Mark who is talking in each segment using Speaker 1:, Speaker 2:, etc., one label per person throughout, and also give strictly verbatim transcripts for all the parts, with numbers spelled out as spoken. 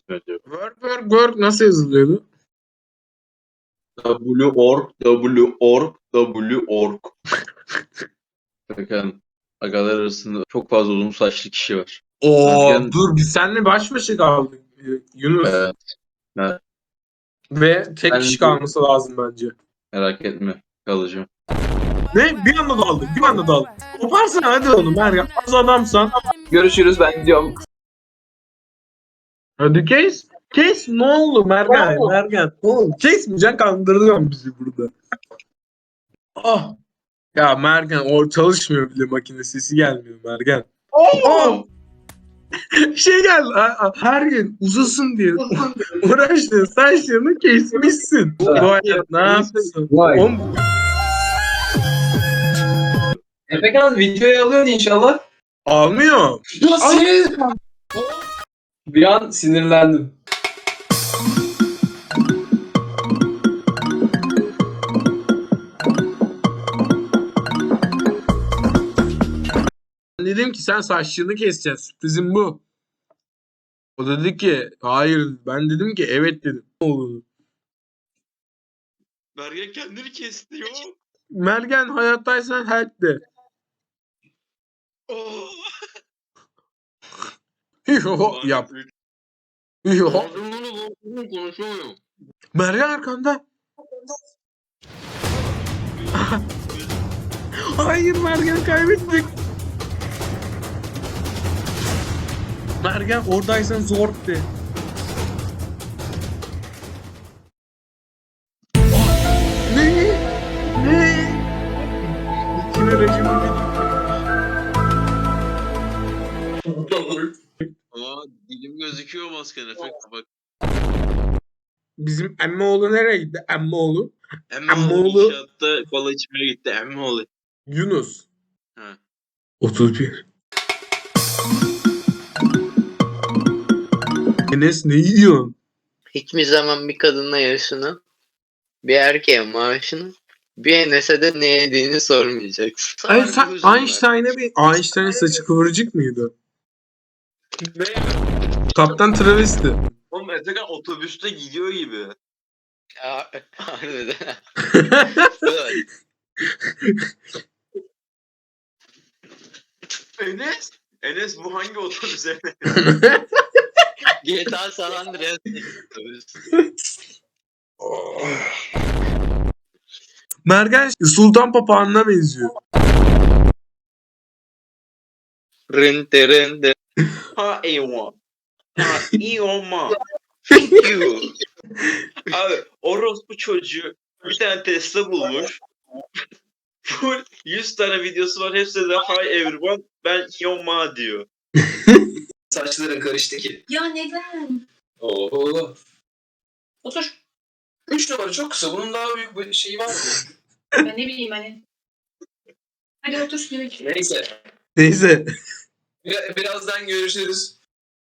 Speaker 1: Work work work nasıl yazılıyordu?
Speaker 2: W-org, W-org, W-org. Bakın agalar arasında çok fazla uzun saçlı kişi var.
Speaker 1: Oo
Speaker 2: Ergen-
Speaker 1: dur biz seninle baş başa kaldık e, Yunus.
Speaker 2: Evet. Evet.
Speaker 1: Ve tek
Speaker 2: Ben-
Speaker 1: kişi kalması lazım bence.
Speaker 2: Merak etme. Kalacağım.
Speaker 1: Ne? Bir anda daldık, bir anda daldık. Koparsana hadi onu Meryem. Az adamsan.
Speaker 3: Görüşürüz, ben gidiyorum.
Speaker 1: Hadi kes. Kes ne oldu Mergen? Mergen. Ne oldu? Kesmeyeceksin kandırıyorsun bizi burada. Ah. Ya Mergen o çalışmıyor bile makine sesi gelmiyor Mergen. Oh. Şey geldi. a- a- Her gün uzasın diye uğraştın. Saçlarını kesmişsin. Bu hayat ne yapsın?
Speaker 3: Vay.
Speaker 1: Oğlum,
Speaker 3: Efekan videoyu alıyorsun inşallah.
Speaker 1: almıyor.
Speaker 3: Nasıl? Bir an sinirlendim.
Speaker 1: Ben dedim ki sen saçlarını keseceksin. Sürprizim bu. O dedi ki hayır. Ben dedim ki evet dedim. Ne oldu?
Speaker 2: Bergen kendini kesti yo.
Speaker 1: Mergen hayattaysan help de.
Speaker 2: Oh.
Speaker 1: Yo yap. Yo.
Speaker 2: Ağzımdan konuşamıyorum.
Speaker 1: Mergen arkanda. Hayır Mergen kaybettik. Mergen oradaysan zor de. Ne? Ne? İçine rejimi
Speaker 2: Aa dilim gözüküyor maskene. Bak.
Speaker 1: Bizim Emmoğlu nereye gitti? Emmoğlu.
Speaker 2: Emmoğlu
Speaker 1: Emmoğlu.
Speaker 2: inşaatta kola içmeye gitti. Emmoğlu.
Speaker 1: Yunus.
Speaker 2: Ha.
Speaker 1: otuz bir. Enes ne yiyorsun?
Speaker 4: Hiçbir zaman bir kadınla yaşını, bir erkeğe maaşını, bir Enes'e de ne yediğini sormayacaksın.
Speaker 1: Ay, sen Einstein'a bir Einstein'ın saçı kıvırcık mıydı?
Speaker 2: Ne?
Speaker 1: Kaptan travesti.
Speaker 2: Oğlum Efekan otobüste gidiyor gibi.
Speaker 4: Ya harbiden.
Speaker 2: Enes? Enes bu hangi otobüs Enes?
Speaker 4: G T A San Andreas.
Speaker 1: Mergen Sultan Papağan'ına benziyor.
Speaker 4: Rente rente.
Speaker 2: Ha eyvah. Ha iyi olma. Thank you. Abi orospu çocuğu bir tane Tesla bulmuş. Full yüz tane videosu var. Hepsi de hi everyone. Ben Yoma diyor.
Speaker 3: Saçların karıştı ki.
Speaker 5: Ya neden?
Speaker 3: Oo.
Speaker 5: Otur.
Speaker 3: Üç numara çok kısa. Bunun daha büyük bir şeyi var mı?
Speaker 5: Ben ne bileyim hani. Hadi otur şimdi.
Speaker 3: Neyse.
Speaker 1: Neyse.
Speaker 3: Bir- birazdan görüşürüz.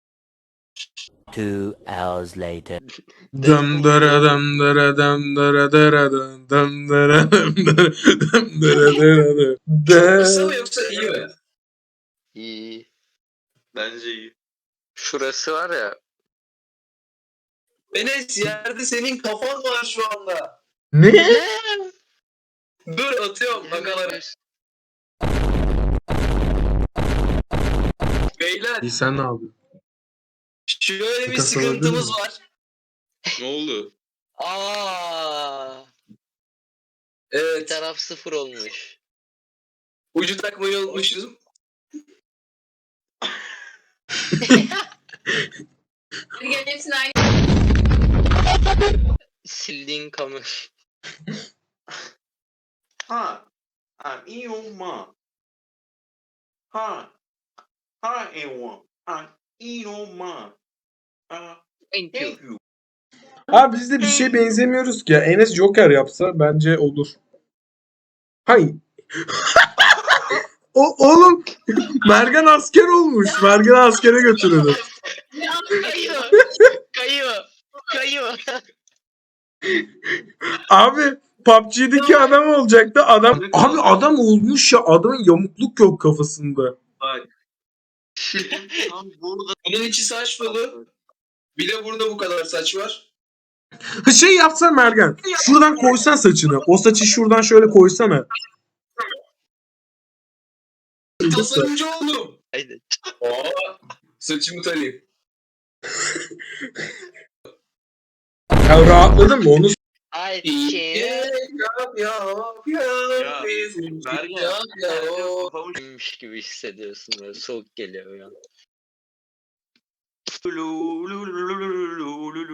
Speaker 6: Two hours later.
Speaker 1: Dam dara dam dara dam dara dara dam dam dara dam dara dam dara dara dam.
Speaker 3: Kısa mı yoksa iyi mi?
Speaker 4: İyi.
Speaker 2: Bence iyi.
Speaker 4: Şurası var ya.
Speaker 3: Enes yerde senin kafan var şu anda.
Speaker 1: Ne?
Speaker 3: Dur atıyorum bakalım. Beyler
Speaker 1: İyi sen ne yapıyorsun?
Speaker 3: şöyle bir
Speaker 1: Kafası olabilir
Speaker 3: sıkıntımız
Speaker 1: mi?
Speaker 3: var.
Speaker 2: Ne oldu?
Speaker 4: Aa, bir
Speaker 3: Evet.
Speaker 4: taraf sıfır olmuş.
Speaker 3: Ucu takmayı unutmuşuz.
Speaker 5: Hadi gel hepsini aynı.
Speaker 4: Sildiğin kamera.
Speaker 2: Ha. Ha iyi olma. Ha. Ha eyvah. Ha iyi olma. Ha
Speaker 4: Thank you.
Speaker 2: thank you.
Speaker 1: Abi biz de bir şeye benzemiyoruz ki. Enes Joker yapsa bence olur. Hayır. O oğlum Mergen asker olmuş. Mergen askere götürülür.
Speaker 4: Kayıyor. Kayıyor. Kayıyor.
Speaker 1: Abi P U B G'deki adam olacaktı. Adam abi adam olmuş ya. Adamın yamukluk yok kafasında.
Speaker 2: Bak. Tam burada
Speaker 3: Bunun içi saç dolu. Bir de burada bu kadar saç var.
Speaker 1: Ha, şey yapsan Mergen. Şuradan koysan saçını. O saçı şuradan şöyle koysana.
Speaker 3: Tasarımcı oldum.
Speaker 4: Haydi.
Speaker 3: Aa, saçımı tarayayım.
Speaker 1: Ya rahatladın mı onu?
Speaker 4: Ay
Speaker 3: İyi.
Speaker 4: ki.
Speaker 3: Yap, yap, yap,
Speaker 2: Ya,
Speaker 3: bizim
Speaker 2: Mergen,
Speaker 3: yap, yap.
Speaker 2: Mergen kafamı
Speaker 4: Miş gibi hissediyorsun böyle soğuk geliyor ya.
Speaker 2: Lu, lu, lu, lu, lu, lu, lu.